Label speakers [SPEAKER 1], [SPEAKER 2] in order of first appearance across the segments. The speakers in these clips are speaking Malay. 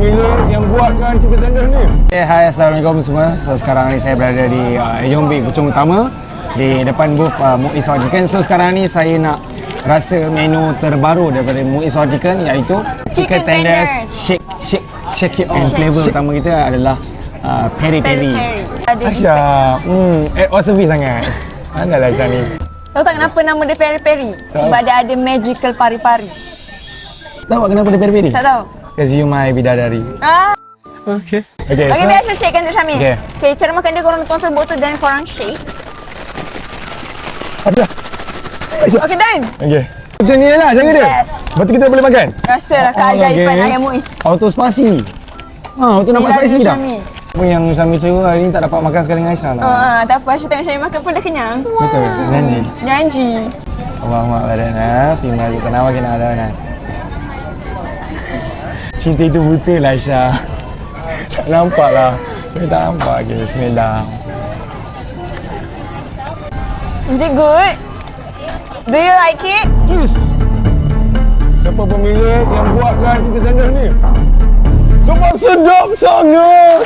[SPEAKER 1] pemilik yang buatkan chicken tenders ni? Hai, Assalamualaikum semua. So sekarang ni saya berada di Yongbik Puchong Utama di depan booth Muiz Hot Chicken. So sekarang ni saya nak rasa menu terbaru daripada Muiz Hot Chicken, iaitu chicken tenders shake it and flavor utama kita adalah peri-peri. Aisyah, service sangat. Andalah macam ni.
[SPEAKER 2] Tahu tak kenapa nama dia peri-peri? Sebab dia ada magical pari-pari.
[SPEAKER 1] Tahu tak kenapa dia peri-peri?
[SPEAKER 2] Tak tahu.
[SPEAKER 1] Because you my bidadari. Okay,
[SPEAKER 2] Okay,
[SPEAKER 1] so
[SPEAKER 2] biasa shake kan Syamil.
[SPEAKER 1] Okay.
[SPEAKER 2] Cara makan dia korang tuang botol dan korang shake.
[SPEAKER 1] Ada.
[SPEAKER 2] Okay, done.
[SPEAKER 1] Okay. Macam ni lah cara dia.
[SPEAKER 2] Yes.
[SPEAKER 1] Lepas tu kita boleh makan.
[SPEAKER 2] Rasalah keajaiban ayam Muiz.
[SPEAKER 1] Auto spicy. Betul nampak spicy dah.
[SPEAKER 2] Syamil.
[SPEAKER 1] Apa yang Syamil cewa hari ni tak dapat makan sekali dengan Aisyah lah.
[SPEAKER 2] Tak apa, Aisyah tengok Syamil makan pun dah kenyang.
[SPEAKER 1] Betul. Janji.
[SPEAKER 2] Janji.
[SPEAKER 1] Allahumma barakna fi ma razaqna wa qina adzabannar. Cinta itu buta lah Aisyah. Tak nampak lah. Kita tak nampak. Okay, bismillah.
[SPEAKER 2] Is it good? Do you like it?
[SPEAKER 1] Yes. Siapa pemilik yang buatkan chicken tenders ni? Sebab sedap sangat.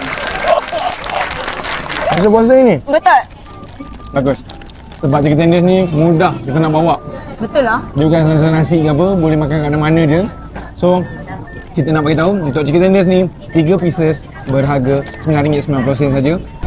[SPEAKER 1] Rasa puasa ini?
[SPEAKER 2] Betul.
[SPEAKER 1] Bagus. Sebab chicken tenders ni mudah kita nak bawa.
[SPEAKER 2] Betul lah.
[SPEAKER 1] Dia bukan macam nasi ke apa, boleh makan kat mana-mana je. So, kita nak bagi tahu untuk chicken tenders ni 3 pieces berharga RM9.90 saja.